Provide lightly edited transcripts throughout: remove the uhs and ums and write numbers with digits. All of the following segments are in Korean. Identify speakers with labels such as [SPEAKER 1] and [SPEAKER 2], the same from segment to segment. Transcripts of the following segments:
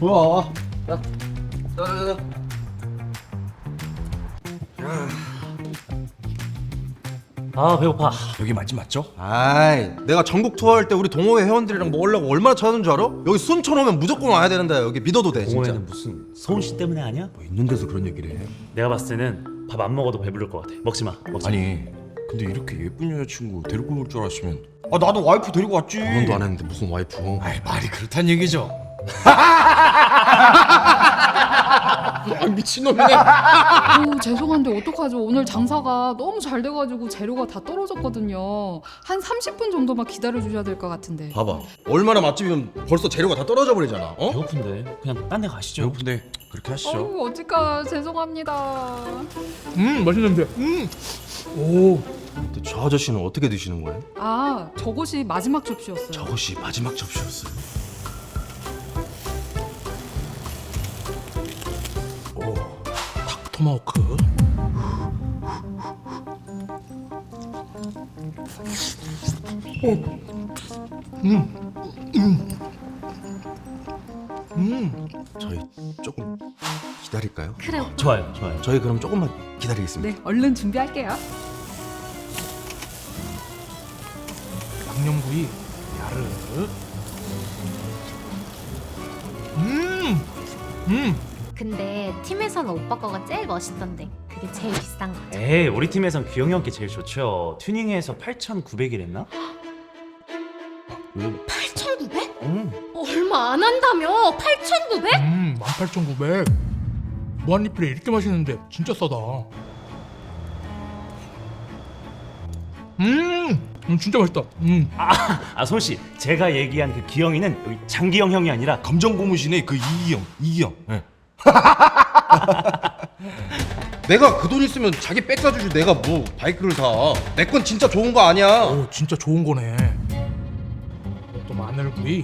[SPEAKER 1] 뭐야? 야, 야.
[SPEAKER 2] 아 배고파.
[SPEAKER 3] 여기 맛집 맞죠?
[SPEAKER 1] 아이, 내가 전국 투어할 때 우리 동호회 회원들이랑 먹으려고 얼마나 찾는 줄 알아? 여기 순천 오면 무조건 와야 되는데 여기 믿어도 돼 진짜.
[SPEAKER 2] 동호회는 무슨 서훈 씨 때문에 아니야?
[SPEAKER 3] 뭐 있는 데서 그런 얘기를 해.
[SPEAKER 2] 내가 봤을 때는 밥 안 먹어도 배부를 것 같아. 먹지 마. 먹지 마.
[SPEAKER 3] 아니 근데 이렇게 예쁜 여자친구 데리고 올 줄 알았으면 아 나도 와이프 데리고 왔지.
[SPEAKER 1] 결혼도 안 했는데 무슨 와이프?
[SPEAKER 3] 아이 말이 그렇단 얘기죠.
[SPEAKER 1] 아, 미친놈이네.
[SPEAKER 4] 죄송한데 어떡하죠? 오늘 장사가 너무 잘 돼가지고 재료가 다 떨어졌거든요. 한 30분 정도만 기다려 주셔야 될 것 같은데.
[SPEAKER 1] 봐봐, 얼마나 맛집이면 벌써 재료가 다 떨어져 버리잖아. 어?
[SPEAKER 2] 배고픈데 그냥 딴 데 가시죠.
[SPEAKER 3] 배고픈데 그렇게 하시죠.
[SPEAKER 4] 어우 어떡하 죄송합니다.
[SPEAKER 5] 맛있는데. 오.
[SPEAKER 1] 근데 저 아저씨는 어떻게 드시는 거예요?
[SPEAKER 4] 아 저것이 마지막 접시였어요.
[SPEAKER 1] 저것이 마지막 접시였어요.
[SPEAKER 5] 오. 닭토마호크.
[SPEAKER 1] 저희 조금 기다릴까요?
[SPEAKER 4] 그래요.
[SPEAKER 2] 좋아요, 좋아요.
[SPEAKER 1] 저희 그럼 조금만 기다리겠습니다.
[SPEAKER 4] 네 얼른 준비할게요.
[SPEAKER 5] 양념구이. 야르.
[SPEAKER 6] 근데 팀에서는 오빠 거가 제일 멋있던데 그게 제일 비싼 거죠.
[SPEAKER 2] 에이 우리 팀에선 규영이 형께 제일 좋죠. 튜닝해서 8,900이랬나?
[SPEAKER 6] 8,900?
[SPEAKER 2] 응.
[SPEAKER 6] 얼마 안 한다며? 8,900?
[SPEAKER 5] 18,900. 무한리필에 이렇게 맛있는데 진짜 싸다. 진짜 맛있다.
[SPEAKER 2] 아 소훈 씨, 제가 얘기한 그 기영이는 여기 장기영 형이 아니라
[SPEAKER 3] 검정 고무신의 그 이기영. 예.
[SPEAKER 1] 내가 그 돈 있으면 자기 백 사주지 내가 뭐 바이크를 사. 내 건 진짜 좋은 거 아니야.
[SPEAKER 5] 오, 진짜 좋은 거네. 또 마늘구이.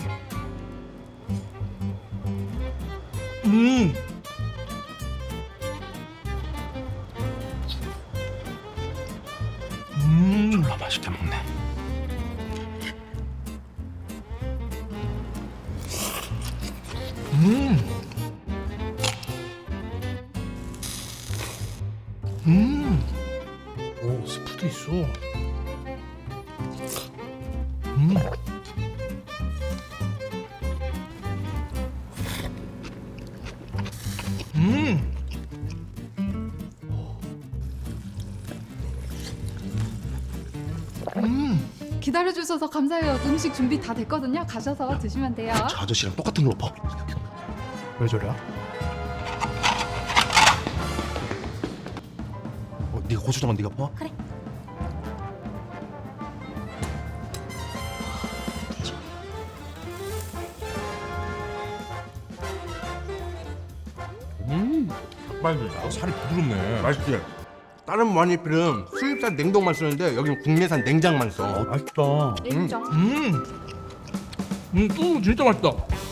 [SPEAKER 3] 졸라 맛있게 먹네.
[SPEAKER 5] 오, 스프도 있어.
[SPEAKER 4] 기다려 주셔서 감사해요. 음식 준비 다 됐거든요. 가셔서 드시면 돼요.
[SPEAKER 1] 저 아저씨랑 똑같은 걸로 봐.
[SPEAKER 5] 왜 저래?
[SPEAKER 1] 네가 고추장은 네가 퍼?
[SPEAKER 6] 그래.
[SPEAKER 3] 닭발도 살이 부드럽네.
[SPEAKER 1] 맛있지? 다른 무한리필은 수입산 냉동만 쓰는데 여기는 국내산 냉장만 써.
[SPEAKER 2] 맛있다.
[SPEAKER 4] 인정.
[SPEAKER 5] 또 진짜 맛있다.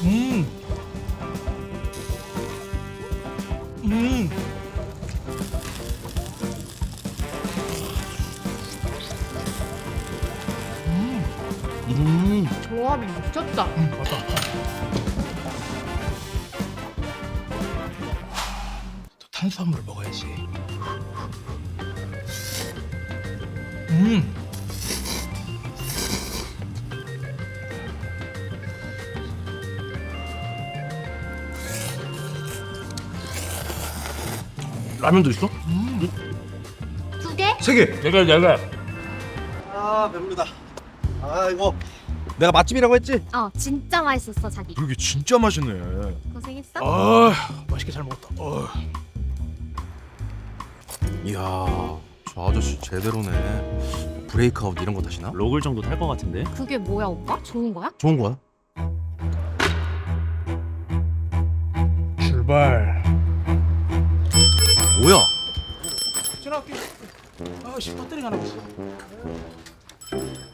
[SPEAKER 6] 조합이 미쳤다.
[SPEAKER 5] 맞다. 탄수화물을 먹어야지.
[SPEAKER 1] 라면도 있어?
[SPEAKER 6] 두 개?
[SPEAKER 1] 세 개.
[SPEAKER 5] 내가.
[SPEAKER 1] 아 배부르다. 아이고 내가 맛집이라고 했지?
[SPEAKER 6] 진짜 맛있었어 자기.
[SPEAKER 3] 그게 진짜 맛있네.
[SPEAKER 6] 고생했어.
[SPEAKER 5] 아, 맛있게 잘 먹었다.
[SPEAKER 1] 이야 저 아저씨 제대로네. 브레이크아웃 이런 거 타시나?
[SPEAKER 2] 로글 정도 탈 것 같은데.
[SPEAKER 6] 그게 뭐야 오빠? 좋은 거야?
[SPEAKER 1] 좋은 거야?
[SPEAKER 5] 출발.
[SPEAKER 1] 뭐야?
[SPEAKER 5] 전화할게. 아씨 배터리가 나갔어.